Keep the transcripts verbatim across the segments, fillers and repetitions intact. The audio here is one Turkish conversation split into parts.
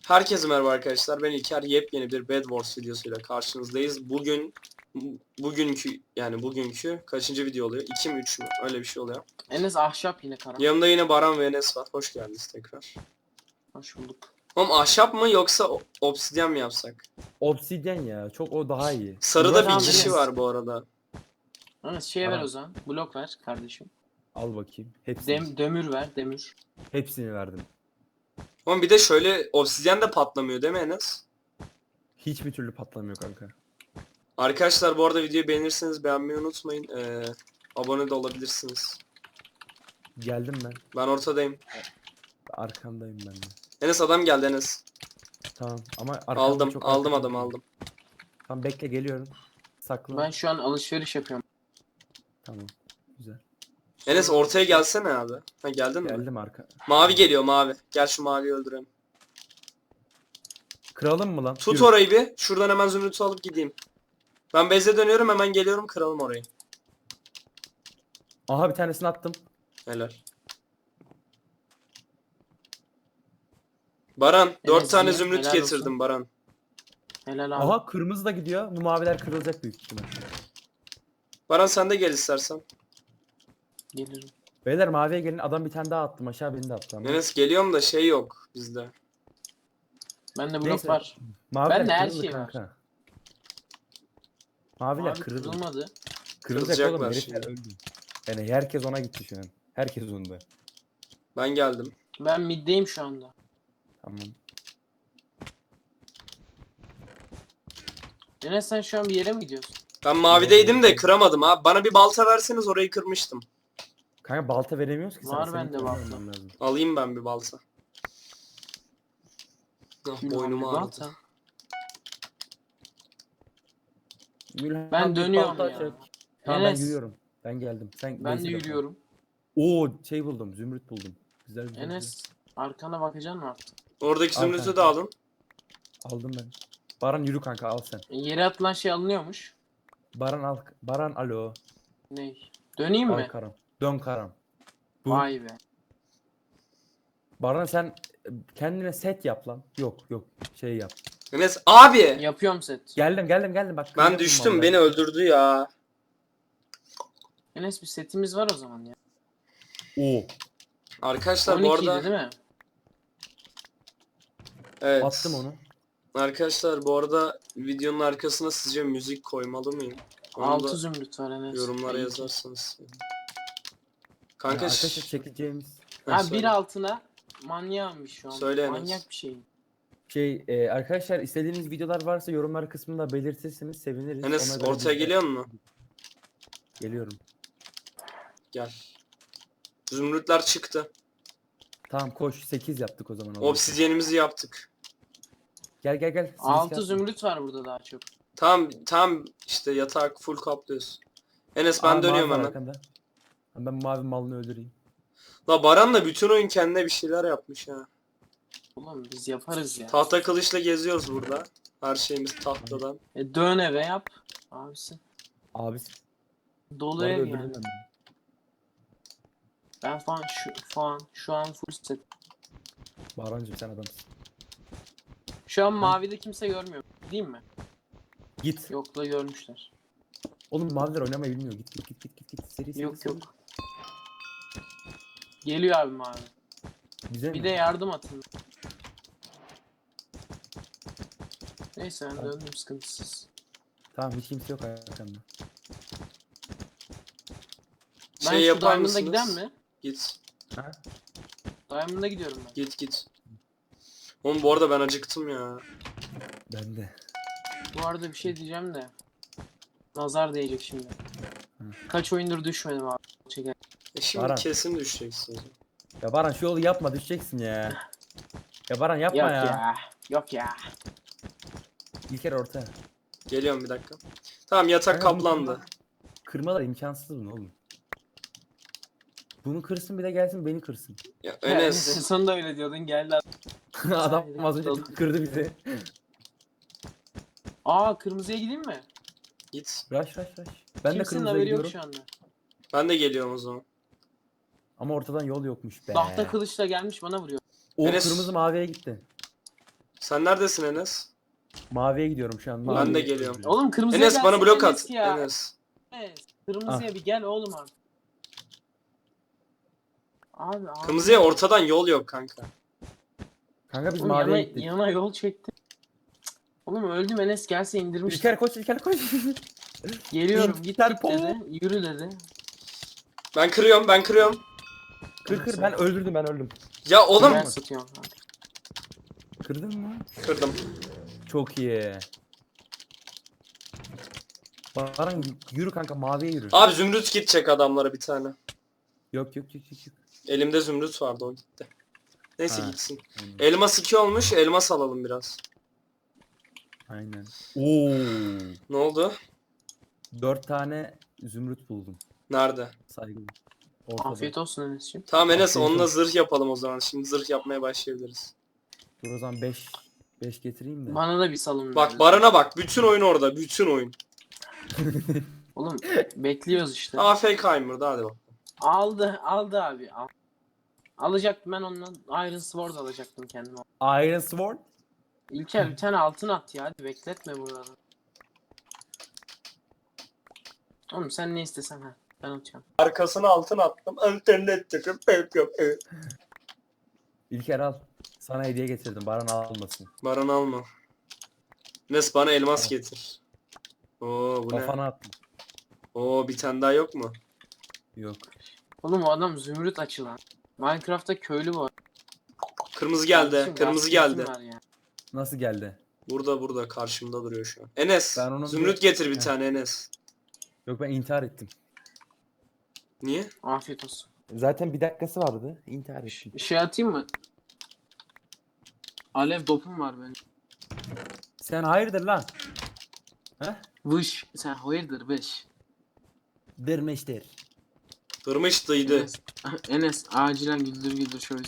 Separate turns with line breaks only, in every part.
Herkese merhaba arkadaşlar. Ben İlker. Yepyeni bir Bed Wars videosuyla karşınızdayız. Bugün bugünkü yani bugünkü kaçıncı video oluyor? iki mi üç mü? Öyle bir şey oluyor.
Enes ahşap yine kara.
Yanımda yine Baran ve Enes var. Hoş geldiniz tekrar.
Hoş bulduk.
Oğlum ahşap mı yoksa o- obsidyen mi yapsak?
Obsidyen ya. Çok o daha iyi.
Sarıda
Murat
bir
Tamam,
abi,
kişi
Enes.
var bu arada.
Enes şeye ver
Tamam.
o zaman. Blok ver kardeşim.
Al bakayım. Hepsini.
Dem demir ver demir.
Hepsini verdim.
Oğlum bir de şöyle obsidyen de patlamıyor değil mi Enes?
Hiçbir türlü patlamıyor kanka.
Arkadaşlar bu arada videoyu beğenirseniz beğenmeyi unutmayın. Ee, abone de olabilirsiniz.
Geldim ben.
Ben ortadayım.
Arkandayım ben de.
Enes adam geldi Enes.
Tamam ama arkamda
Aldım
çok
aldım
arkada
adamı
değil.
aldım.
Tamam bekle geliyorum. Sakla.
Ben şu an alışveriş yapıyorum.
Tamam. Güzel.
Enes ortaya gelsene abi. Ha geldin mi?
Geldim arka.
Mavi geliyor mavi. Gel şu maviyi öldürelim.
Kıralım mı lan?
Tut
Yürü.
orayı bir. Şuradan hemen zümrütü alıp gideyim. Ben base'e dönüyorum hemen geliyorum kıralım orayı.
Aha bir tanesini attım.
Helal. Baran dört
Enes
tane
iyi,
zümrüt
helal
getirdim
olsun.
Baran.
Helal abi.
Aha kırmızı da gidiyor. Bu maviler kırılacak büyük ihtimal.
Baran sen de gel istersen.
Gelirim.
Beyler maviye gelin. Adam bir tane daha attım. Aşağı beni de attı ama.
Enes geliyorum da şey yok bizde.
Bende blok
Neyse.
var.
Maviler
Bende her
kırıldı
şey var.
kanka. Maviler
Abi
kırıldı.
kırılmadı.
Kırılacak oğlum.
Kırılacaklar
Herifler
şimdi.
öldü. Yani herkes ona gitti şu an. Herkes onda.
Ben geldim.
Ben middeyim şu anda.
Tamam.
Enes sen şu an bir yere mi gidiyorsun?
Ben mavideydim de kıramadım abi. Bana bir balta verseniz orayı kırmıştım.
Kanka balta veremiyoruz ki
Var
sana.
bende
Senin
balta.
kullanman lazım.
Alayım ben bir balta. Ah
Gülhan
boynum
bir
ağrıdı.
balta.
Gülhan
Ben
bir
dönüyorum
balta
ya.
çek. Tamam ben
Enes.
yürüyorum. Ben geldim. Sen
Ben de
base'e bak.
yürüyorum.
Oo şey buldum. Zümrüt buldum. Güzel güzel.
Enes arkana bakacaksın mı artık?
Oradaki
Al
zümrütü
kanka.
de alın.
güzel. Aldım ben. Baran yürü kanka al sen.
E, Yere atılan şey alınıyormuş.
Baran al. Baran alo.
Ney? Döneyim
Al
mi?
karam. Dön karam. Bu.
Vay be.
Baran sen e, kendine set yap lan. Yok yok. Şey yap.
Enes abi.
Yapıyorum set.
Geldim geldim geldim bak.
Ben
kırıyorum
düştüm
vallahi.
beni öldürdü ya.
Enes bir setimiz var o zaman ya.
Oo.
Arkadaşlar bu
on ikiydi
arada
değil mi?
evet.
Attım onu.
Arkadaşlar bu arada videonun arkasına sizce müzik koymalı mıyım? Onu
altı
da
zümrüt var Enes.
yorumlara
İyi.
yazarsanız.
Yani
Kanka
arkadaşlar
şş,
çekeceğimiz
ha,
Ha
söyle.
bir altına manyağımmış şu an.
Söyle Enes.
Manyak bir şey.
şey e, arkadaşlar istediğiniz videolar varsa yorumlar kısmında belirtirseniz seviniriz.
Enes
Ona göre
ortaya
biz de-
geliyor mu?
Geliyorum.
Gel. Zümrütler çıktı.
Tamam koş sekiz yaptık o zaman.
Obsidyenimizi yaptık.
Gel gel gel. Siz
altı
yapın.
zümrüt var burada daha çok.
Tamam tamam işte yatak full kaplıyoruz. Enes ben
Aa, mavi
dönüyorum
var
hemen.
arkanda. Ben mavi malını öldüreyim.
La Baran da bütün oyun kendine bir şeyler yapmış ha.
Oğlum biz yaparız ya.
Tahta kılıçla geziyoruz burada. Her şeyimiz tahtadan.
E dön eve yap. Abisi.
Abi
Dolu
bu arada
ev
öldürdüm
yani.
ben.
Ben falan şu falan şu an full set.
Bahrancığım sen adamsın.
Şu an mavide kimse görmüyor. Değil mi?
Git.
Yok da görmüşler.
Oğlum maviler oynamayı bilmiyor. Git git git git git. git. Seri seri.
Yok
seri.
yok. Geliyor abi mavi.
Bize
Bir
mi?
de yardım atın. Neyse ben
Tamam.
döndüm sıkıntısız.
Tamam hiç kimse yok arkamda.
Ben
Şey
şu
yapar
Diamond'a
mısınız?
giden mi?
Git.
Ha?
Diamond'a gidiyorum ben.
Git git. Oğlum bu arada ben acıktım ya.
Ben de.
Bu arada bir şey diyeceğim de. Nazar değecek şimdi.
Hı.
Kaç oyundur düşmedim abi. Çeker.
E şimdi
Baran.
kesin düşeceksiniz.
Ya Baran şu yolu yapma düşeceksin ya. Ya Baran yapma
Yok
ya.
ya. Yok ya.
İlker orta.
Geliyorum bir dakika. Tamam yatak
Kanka, bunu
kaplandı.
kırma- Kırmalar imkansız bunu oğlum. Bunu kırsın bir de gelsin beni kırsın.
Ya
En
Enes.
sonunda öyle diyordun geldi.
Adam az önce kırdı bizi.
Aa kırmızıya gideyim mi?
Git.
Rush rush rush. Ben de
Kimsenin
kırmızıya
haberi yok
gidiyorum.
şu anda.
Ben de geliyorum o zaman.
Ama ortadan yol yokmuş be.
Tahta kılıçla gelmiş bana vuruyor.
O
Enes-
kırmızı maviye gitti.
Sen neredesin Enes?
Maviye gidiyorum şu an.
Ben
maviye
de
gidiyorum.
geliyorum.
Oğlum kırmızıya
Enes bana
gelsene
blok
Enes
at.
ya.
Enes.
Enes, kırmızıya bir gel oğlum abi. Abi abi.
Kırmızıya ortadan yol yok kanka.
Kanka biz
Oğlum
maviye
yana,
gittik.
yana yol çekti. Oğlum öldüm Enes gelse indirmiş.
İlker koş İlker koş.
Geliyorum git
İlker
git
po.
dedi. Yürü dedi.
Ben kırıyorum ben kırıyorum.
Kır kır ben öldürdüm ben öldüm.
Ya oğlum.
Ben satıyorum kanka.
Kırdın mı?
Kırdım.
Çok iyi. Baran yürü kanka maviye yürü.
Abi zümrüt gidecek adamlara bir tane.
Yok yok yok yok. yok.
Elimde zümrüt vardı o gitti. Neyse
Ha.
gitsin.
Aynen.
Elmas iki olmuş. Elmas alalım biraz.
Aynen. Oo.
Ne oldu?
Dört tane zümrüt buldum.
Nerede?
Saygılı. Ortada.
Afiyet olsun Enes'ciğim.
Tamam Enes
Afiyet
onunla
olsun.
zırh yapalım o zaman. Şimdi zırh yapmaya başlayabiliriz.
Dur o zaman beş beş getireyim de.
Bana da bir salın.
Bak
ver.
Baran'a bak. Bütün oyun orada. Bütün oyun.
Oğlum bekliyoruz işte.
A F K'yım da hadi bak.
Aldı aldı abi. Al. Alacaktım ben ondan Iron Sword alacaktım kendime.
Iron Sword.
İlker bir tane altın at ya hadi bekletme buraları. Oğlum sen ne istesen ha ben atıyorum.
Arkasına altın attım. İnternet çıkıp pek yok.
İlker al. Sana hediye getirdim. Baran almasın.
Baran alma. Enes bana elmas getir. Oo bu ne?
Kafana attım.
Oo bir tane daha yok mu?
Yok.
Oğlum o adam zümrüt açılan. Minecraft'ta köylü var.
Kırmızı geldi.
Kardeşim,
Kırmızı
gazetesi
geldi.
var ya.
Nasıl geldi?
Burada burada karşımda duruyor şu an. Enes
Ben onu
zümrüt
bir-
getir bir
Heh.
tane Enes.
Yok ben intihar ettim.
Niye?
Afiyet olsun.
Zaten bir dakikası vardı. İntihar ettim.
Bir şey atayım mı? Alev dopum var benim.
Sen hayırdır lan? Heh?
Vış. Sen hayırdır beş.
Dermeştir.
Kırmıştıydı.
Enes, Enes acilen güldür güldür şöyle.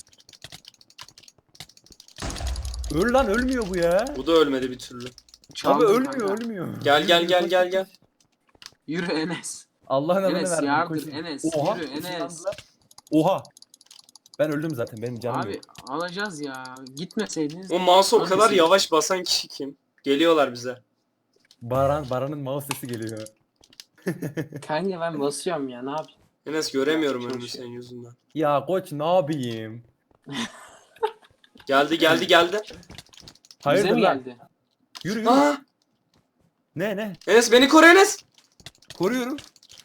Öl lan ölmüyor bu ya.
Bu da ölmedi bir türlü.
Abi
Çaldım
ölmüyor
kanka.
ölmüyor.
Gel gel
Yürü,
gel
koş,
gel
koş,
gel.
koş.
Yürü Enes.
Allah'ın adını
Enes
verdim.
yardır
koş.
Enes.
Oha,
Yürü Enes.
ışınlandılar. Oha. Ben öldüm zaten benim canım
Abi
yok.
alacağız ya. Gitmeseydiniz.
O mouse'u o
Hangisi?
kadar yavaş basan kişi kim? Geliyorlar bize.
Baran, Baran'ın mouse sesi geliyor.
Kanka ben basıyorum ya ne yapayım.
Enes göremiyorum
Çok
önümü
şey.
senin yüzünden.
Ya koç ne yapayım?
Geldi geldi geldi.
Bize
Hayırdır
mi
lan?
geldi?
Yürü yürü.
Aa!
Ne ne?
Enes beni koru Enes.
Koruyorum.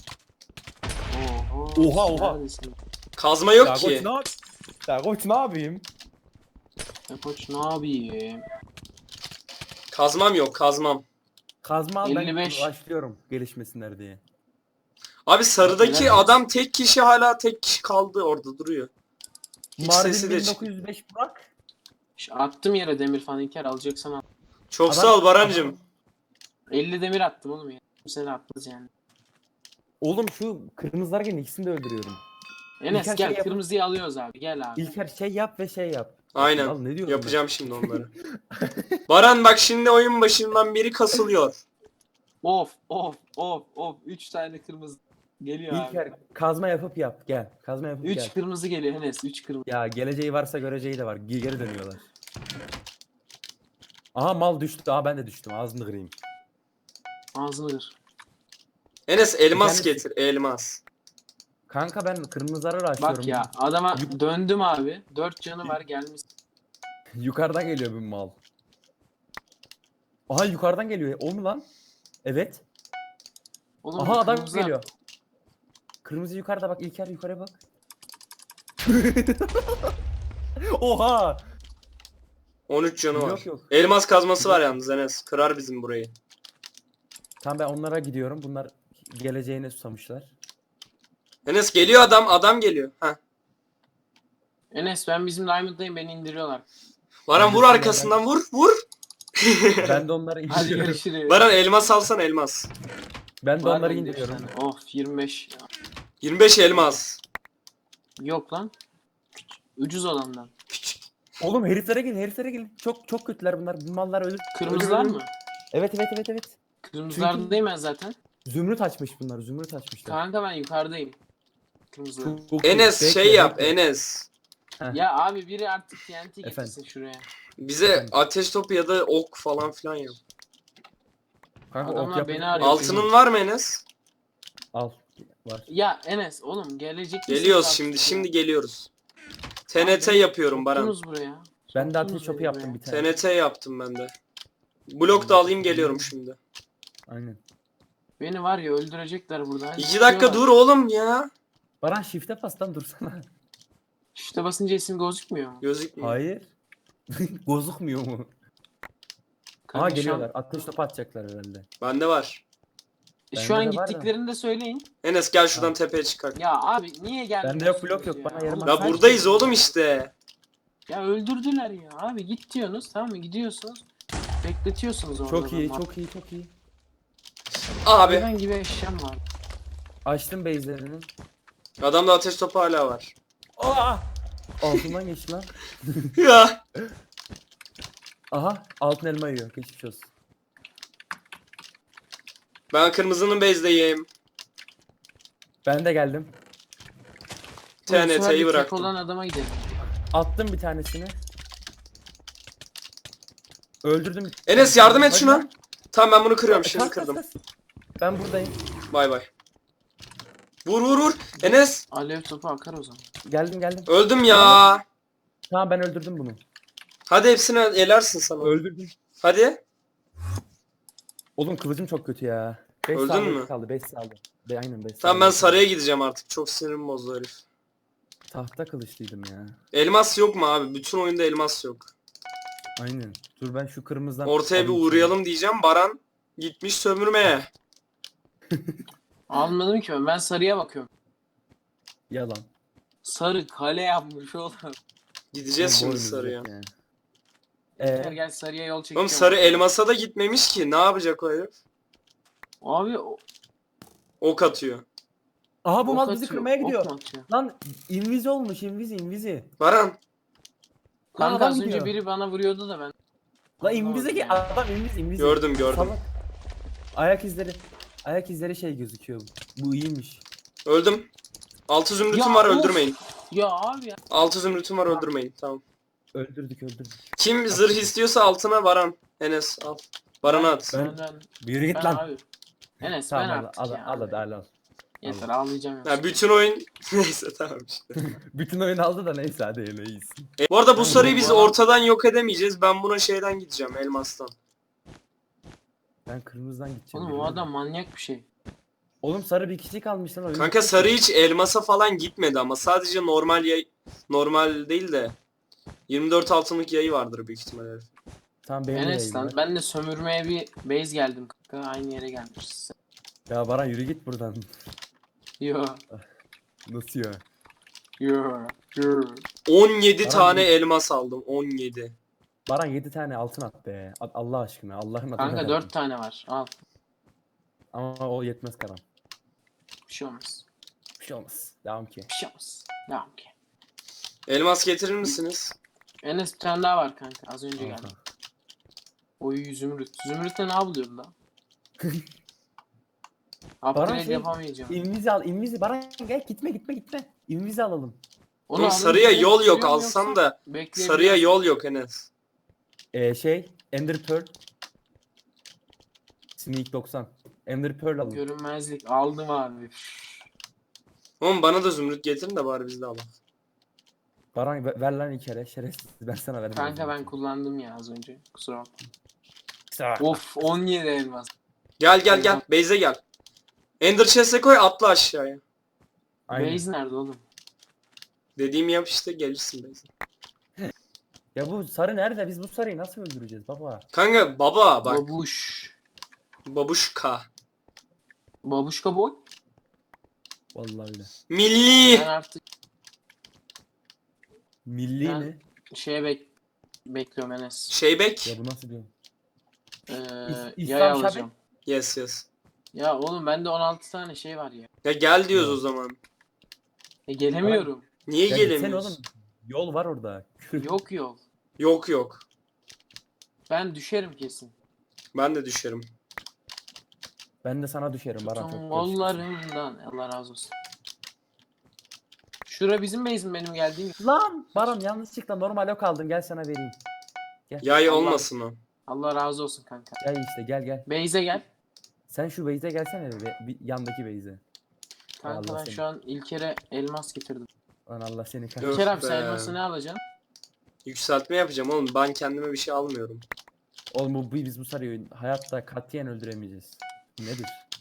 Oho.
Oha, oha.
Neredesin?
Kazma
Ya
yok
koç
ki.
ne yap? Ya koç ne yapayım?
Ya koç ne yapayım?
Kazmam yok kazmam.
Kazma al ben
elli beş.
başlıyorum gelişmesinler diye.
Abi sarıdaki
Helal olsun.
adam tek kişi hala tek kişi kaldı orada duruyor. Hiç sesi
Mardin
de
bin
çık-
dokuz yüz beş Burak.
Ş- Attım yere demir falan İlker alacaksan al.
Çok
Adam-
sağ ol Barancım.
elli demir attım oğlum ya. Seni atmaz yani.
Oğlum şu kırmızılar gelin ikisini de öldürüyorum.
Enes
İlker
gel
şey yap-
kırmızıyı alıyoruz abi gel abi.
İlker şey yap ve şey yap.
Aynen.
Al, ne diyorum
Yapacağım şimdi onları. Baran bak şimdi oyun başından biri kasılıyor.
Of of of of. üç tane kırmızı geliyor
ben?
abi.
İlker kazma yapıp yap gel. Kazma yapıp
üç
gel.
kırmızı geliyor Enes üç kırmızı.
Ya geleceği varsa göreceği de var. Ge- Geri dönüyorlar. Aha mal düştü. Aha ben de düştüm. Ağzını kırayım.
Ağzını kır.
Enes elmas
Bir tanesi-
getir elmas.
Kanka ben kırmızıları açıyorum.
Bak ya adama
Yuk-
döndüm abi. dört canı var gelmiş.
Yukarıdan geliyor bir mal. Aha yukarıdan geliyor. O mu lan? Evet.
Oğlum
Aha
bu
adam
kırmızı-
geliyor. Kırmızı yukarıda bak. İlker yukarıya bak. Oha.
on üç canı var.
Yok yok.
Elmas kazması var yalnız Enes. Kırar bizim burayı.
Tamam ben onlara gidiyorum. Bunlar geleceğine susamışlar.
Enes geliyor adam. Adam geliyor. Heh.
Enes ben bizim Diamond'dayım beni indiriyorlar.
Baran vur arkasından vur. Vur.
Ben de onları
Hadi
indiriyorum.
görüşürüz.
Baran elmas alsan elmas.
Ben de
Var
onları
bende üç
indiriyorum.
tane. Of yirmi beş.
yirmi beş elmas.
Yok lan. Ucuz olandan.
Küçük.
Oğlum heriflere gelin, heriflere gelin. Çok çok kötüler bunlar. Bu mallar ölür.
Kırmızılar
ölür, ölür.
mı?
Evet evet evet evet.
Kırmızılardayım ben zaten.
Zümrüt açmış bunlar. Zümrüt açmışlar.
Kanka ben yukarıdayım. Kırmızılar.
Çok- çok iyi.
Enes
Bekle,
şey yap
bekle.
Enes.
Heh.
Ya abi biri artık T N T
Efendim?
getirsin şuraya.
Bize ateş topu ya da ok falan filan yap.
Kanka ok
Adamlar
yapacak
beni
bir
arıyor.
şey
Altının
yok.
var mı Enes?
Al. Var.
Ya Enes oğlum gelecek misiniz
Geliyoruz
artık
şimdi
ya?
şimdi geliyoruz.
Abi
T N T
beni
yapıyorum Baran.
soktunuz buraya.
Ben de
Soktunuz
ateş topu
beni
yaptım
buraya.
bir tane.
T N T yaptım ben de. Blok da alayım geliyorum şimdi.
Aynen.
Beni var ya öldürecekler burada.
İki dakika dur oğlum ya.
Baran shift'e bas lan dursana.
İşte basınca isim gözükmüyor mu?
Gözükmüyor.
Hayır. Gözükmüyor mu?
Kanka
Aa
şu
geliyorlar.
an-
Ateş topu atacaklar herhalde.
Bende var.
Şu
Bende
an
de var da.
gittiklerini de söyleyin.
Enes gel şuradan
Tamam.
tepeye çıkar.
Ya abi niye gelmiyorsunuz
Bende yok, blok yok.
ya?
Bana yarım
Oğlum,
Ya
Sen
buradayız
kaç-
oğlum işte.
Ya öldürdüler ya. Abi git diyorsunuz tamam mı? Gidiyorsunuz. Bekletiyorsunuz orada.
Çok iyi,
adamı.
çok iyi, çok iyi.
Abi
Hayvan gibi eşyam var.
Açtım base'lerini.
adamda ateş topu hala var.
Aa! Altından geçti lan.
Ya.
Aha, altın elma yiyor. Geçmiş olsun.
Ben kırmızının base'deyim.
Ben de geldim.
Bu sefer de
T N T'yi
tek
bıraktım.
olan adama gidelim.
Attım bir tanesini. Öldürdüm.
Enes yardım et
Hadi
şuna.
lan.
Tamam ben bunu kırıyorum şimdi
Kas, kas,
kırdım.
kas. Ben buradayım.
Bay bay. Vur vur vur. Enes
Alev topu akar o zaman.
Geldim geldim.
öldüm ya.
Tamam ben öldürdüm bunu.
Hadi hepsini elersin sana.
Öldürdüm.
Hadi.
Oğlum kılıcım çok kötü ya. beş
Öldün
saniye
mü?
kaldı. beş saniye. Be aynen beş
Tamam ben
saniye.
sarıya gideceğim artık. Çok sinirim bozdu herif.
Tahta kılıçlıydım ya.
Elmas yok mu abi? Bütün oyunda elmas yok.
Aynen. Dur ben şu kırmızıdan
Ortaya bir
alayım
uğrayalım diyeceğim. Baran gitmiş sömürmeye.
Almadım ki ben. Ben sarıya bakıyorum.
seni. Yalan.
Sarı kale yapmış oğlum.
Gideceğiz
Oğlum,
şimdi
boynuz
sarıya.
yok yani.
Gel
Ee,
gel sarıya yol çekeceğim.
Oğlum sarı elmasa da gitmemiş ki. Ne yapacak o herif?
Abi o-
Ok atıyor.
aha bu
ok
mal bizi
atıyor,
kırmaya
ok
gidiyor.
mu atıyor?
Lan invizi olmuş invizi invizi.
Baran.
Kanka
adam
az önce
gidiyor.
biri bana vuruyordu da ben.
La invize ki
Anlamadım
adam inviz invizi.
Gördüm gördüm.
Salak. Ayak izleri. Ayak izleri şey gözüküyor. Bu iyiymiş.
Öldüm. Altı zümrütüm
Ya,
var
of.
öldürmeyin.
Ya abi ya.
Altı zümrütüm var öldürmeyin. Tamam.
Öldürdük öldürdük.
Kim zırh istiyorsa altına Baran. Enes al. Baran'a at.
Ben, ben,
Yürü git
ben
lan.
abi. Enes
Tamam
ben
al
artık
al
ya.
al hadi al al.
Yeter ağlayacağım.
Ya
yoksa.
bütün oyun neyse tamam işte.
Bütün oyun aldı da neyse hadi öyle iyisin.
E, bu arada bu
Tamam,
sarıyı
bu
biz
adam-
ortadan yok edemeyeceğiz. Ben buna şeyden gideceğim elmastan.
Ben kırmızıdan gideceğim.
Oğlum o
yürü.
adam manyak bir şey.
Oğlum sarı bir kişi kalmış lan oyun.
Kanka sarı hiç elmasa falan gitmedi ama sadece normal yay normal değil de yirmi dört altınlık yayı vardır büyük ihtimalle.
Tamam benim de
Enes
yayın
lan
var.
ben de sömürmeye bir base geldim kanka. Aynı yere gelmişiz.
Ya Baran yürü git buradan.
Yo.
Nasıl ya?
Yo. Yo.
on yedi
Baran
tane
bir-
elmas aldım. on yedi.
Baran yedi tane altın at be. At- Allah aşkına Allah'ın adına.
Kanka
verdim.
dört tane var. Al.
Ama o yetmez Karan.
Bir şey olmaz.
Bir şey olmaz. Devam ki.
Bir şey olmaz. Devam ki.
Elmas getirir misiniz?
Enes bir tane daha var kanka. Az önce
Aha.
geldi. Oy zümrüt. Zümrütle ne yapılıyordu lan? Upgrade
şey-
yapamayacağım.
İnvizi al, invizi. Baran gel gitme gitme gitme. İnvizi alalım.
Onu
Oğlum
alınca
sarıya
direkt
yol yok
sürüyor mu
alsan
yoksa
da
bekleyebiliyor
sarıya
musun?
yol yok Enes.
Ee, şey, Ender Pearl. Sneak doksan. Ender Pearl alın.
Görünmezlik aldım abi.
Oğlum bana da zümrüt getirin de bari biz de alalım.
Baran ver, ver lan iki kere. Şerefsiz. Ben sana vermem.
Kanka ben kullandım ya az önce. Kusura bakma.
Sa-
Of on yedi elmas.
Gel gel gel. Base'e gel. Ender chest'e koy atla aşağıya.
Aynen.
Base nerede oğlum?
Dediğimi yap işte gelirsin base'e.
Ya bu sarı nerede? Biz bu sarıyı nasıl öldüreceğiz baba?
Kanka baba bak.
Babuş.
Babuşka.
Babuşka boy.
Vallahi öyle.
Milli.
Ben artık
Milli
Ben-
mi?
şeye bek bekliyorum Enes.
Şeybek.
Ya bu nasıl diyor?
Ee,
İs- İslam
yay
Şabek.
alacağım.
Yes yes.
Ya oğlum bende on altı tane şey var ya.
Ya gel diyoruz
Yok.
o zaman.
E gelemiyorum.
Niye
Ya gitsene
gelemiyorsun?
oğlum. Yol var orada.
Yok yol.
Yok yok.
Ben düşerim kesin.
Ben de düşerim.
Ben de sana düşerim Baran.
Tutun
Çok
kollarımdan. Allah razı olsun. Şura bizim base'im benim geldiğim.
Lan Baran yanlışlıkla normal ok aldım, gel sana vereyim.
Yay
Allah.
olmasın o.
Allah razı olsun kanka.
Gel işte gel gel.
Base'e gel.
Sen şu base'e gelsene be, bir yandaki base'e.
Kanka
Allah
ben
seni.
şu an İlker'e elmas getirdim.
Lan Allah seni
Öf
kahretsin.
İlker abi sen
be.
elması ne alacaksın?
Yükseltme yapacağım oğlum. Ben kendime bir şey almıyorum.
Oğlum bu, biz bu sarıyı hayatta katiyen öldüremeyeceğiz. Nedir?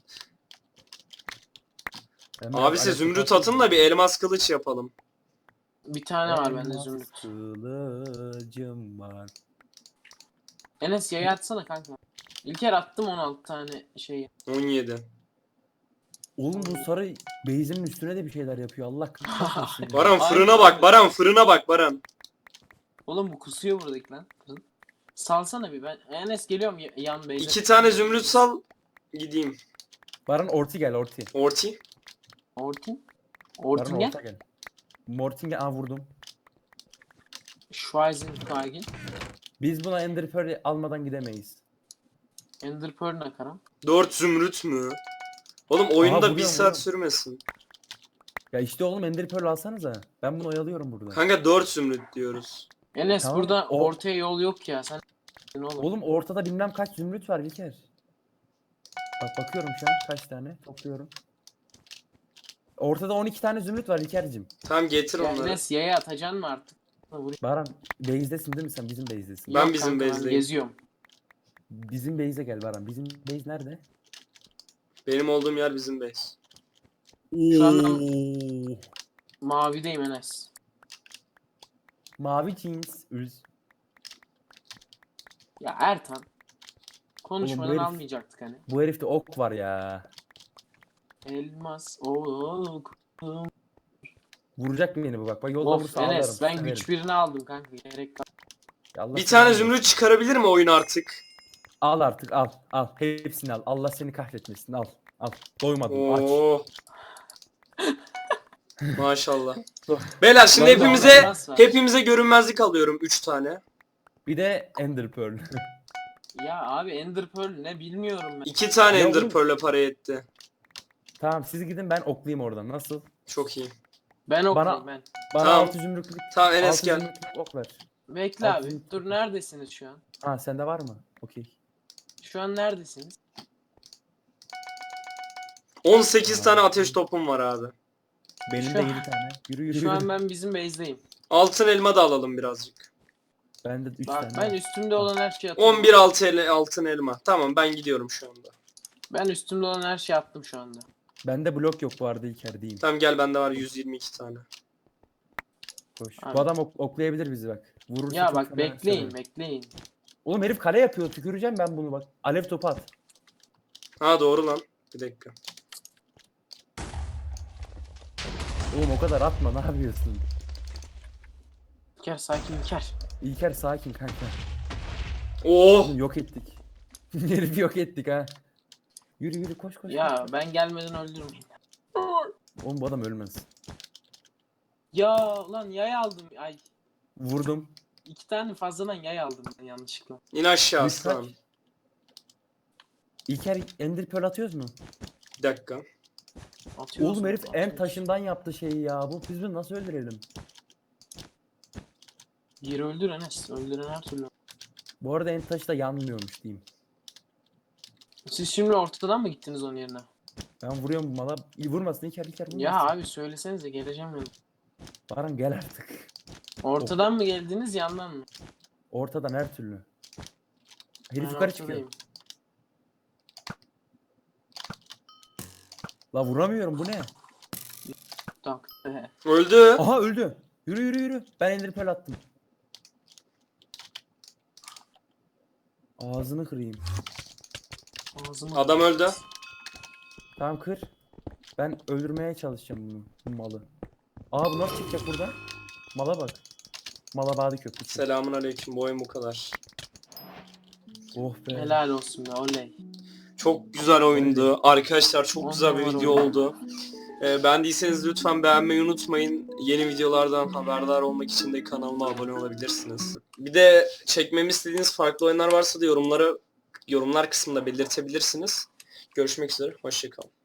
Ben biraz
Abi siz
alev
zümrüt
topu
atın da bir elmas kılıç yapalım.
Bir tane var bende
Elmas
zümrüt.
kılıcım var.
Enes yayı atsana kanka. İlker attım on altı tane şeyi.
on yedi.
Oğlum bu sarı base'in üstüne de bir şeyler yapıyor. Allah kahretsin.
Baran
Ay,
fırına
abi.
bak Baran fırına bak Baran.
Oğlum bu kusuyor buradaki lan. Kızım. Salsana bir ben. Enes geliyorum y- yan base'e.
İki tane zümrüt sal gideyim.
Baran orti gel orti.
Orti.
Ortin.
Baran
Ortingen.
orta gel. Morting'e aa vurdum.
Schweizenfeigel.
Biz buna Ender Pearl almadan gidemeyiz.
Ender Pearl ne karam?
Dört zümrüt mü? Oğlum oyunda
vuruyorum,
bir saat
vuruyorum.
sürmesin.
Ya işte oğlum Ender Pearl alsanıza. Ben bunu oyalıyorum burada.
Kanka dört zümrüt diyoruz.
Enes
Tamam,
burada
o-
ortaya yol yok ya. Sen ne oğlum?
Oğlum ortada bilmem kaç zümrüt var İlker. Bak bakıyorum şu an kaç tane topluyorum. Ortada on iki tane zümrüt var İlker'cim.
Tamam getir
Ya
onları.
Enes yaya atacaksın mı artık? Vurayım.
Baran base'desin değil mi sen? Bizim base'desin.
Ben
Yok
bizim
kanka,
base'deyim.
geziyorum.
Bizim base'e gel Baran. Bizim base nerede?
Benim olduğum yer bizim base.
Şu anda mavideyim Enes.
Mavi jeans. Üz.
Ya Ertan. Konuşmadan
herif-
almayacaktık hani.
Bu herifte ok var ya.
Elmas. Oo.
Vuracak beni bu bak. Bak yolda
Of
vursa
Enes
ağlarım.
ben
severim.
güç birini aldım kanka. Gerek yok.
Ya Allah
Bir
seni
tane
kahretsin.
zümrüt çıkarabilir mi oyun artık?
Al artık al. Al. Hepsini al. Allah seni kahretmesin. Al. Al. Doymadım. Aç.
Oo. Maşallah. Beyler şimdi
Ben de
hepimize
elmas var.
hepimize görünmezlik alıyorum üç tane.
Bir de Ender Pearl.
Ya abi Ender Pearl ne bilmiyorum ben.
iki tane
Ya
Ender
oğlum-
Pearl'e para etti.
Tamam siz gidin ben oklayayım oradan. Nasıl?
Çok iyi.
Ben okuyayım
Bana-
ben.
Bana
Tamam.
altı zümrütlük.
Tamam Enes
altı
gel.
zümrütlük ok ver.
Bekle
Altı
abi.
zümrüt.
Dur neredesiniz şu an?
Ha sende var mı? Okey.
Şu an neredesiniz?
on sekiz tane ateş topum var abi.
Benim
Şu
de
an-
yedi tane. Yürü yürü.
Şu an
yürü.
ben bizim base'deyim.
Altın elma da alalım birazcık.
Bende üç
Bak
tane.
ben
var.
üstümde olan her şeyi atıyorum.
on bir altı ele, altın elma. Tamam ben gidiyorum şu anda.
Ben üstümde olan her şeyi attım şu anda.
Bende blok yok bu arada İlker diyeyim.
Tamam gel bende var yüz yirmi iki tane.
Koş.
Abi.
Bu adam ok- oklayabilir bizi bak. Vurursa
Ya
çok
bak
fena
bekleyin
severim.
bekleyin.
Oğlum herif kale yapıyor. Tüküreceğim ben bunu bak. Alev topu at.
Ha doğru lan. Bir dakika.
Oğlum o kadar atma ne yapıyorsun?
İlker sakin İlker.
İlker sakin kanka.
Oh!
Oğlum yok ettik. Herifi yok ettik ha. Yürü yürü koş koş.
Ya
koş.
ben gelmeden öldürürüm.
Oğlum bu adam ölmez.
Ya lan yay aldım. Ay
Vurdum.
iki tane fazladan yay aldım ben yanlışlıkla.
İn aşağı
Üç kaç?
aslan.
İlker Ender Pearl atıyoruz mu?
Bir dakika.
Atıyoruz
Oğlum
mu?
herif en
Atıyoruz.
taşından yaptı şeyi ya. Bu biz bunu nasıl öldürelim?
Yeri öldür Enes. Öldüren her türlü.
Bu arada en taşı da yanmıyormuş diyeyim.
Siz şimdi ortadan mı gittiniz onun yerine?
Ben vuruyorum bu mala. İyi vurmasın İlker İlker vurmasın.
Ya abi söylesenize geleceğim ben.
Baran gel artık.
Ortadan mı geldiniz yandan mı?
Ortadan her türlü. Herif
Ben
yukarı çıkıyor.
ortadayım.
La vuramıyorum bu ne?
Tak. Ehe.
Öldü.
Aha öldü. Yürü yürü yürü. Ben Ender Pearl attım. Ağzını kırayım.
Ağzımı
Adam öldü.
Tamam kır. Ben öldürmeye çalışacağım bunu. Bu malı. Aa bu nasıl çıkacak burada? Mala bak. Mala bağdı köprüsü.
Selamun aleyküm. Bu oyun bu kadar.
Oh be.
helal olsun be oley.
Çok güzel oyundu. Arkadaşlar çok
On
güzel bir
numara
video
oyun.
oldu. Ee, beğendiyseniz lütfen beğenmeyi unutmayın. Yeni videolardan haberdar olmak için de kanalıma abone olabilirsiniz. Bir de çekmemi istediğiniz farklı oyunlar varsa da yorumları yorumlar kısmında belirtebilirsiniz. Görüşmek üzere. Hoşça kalın.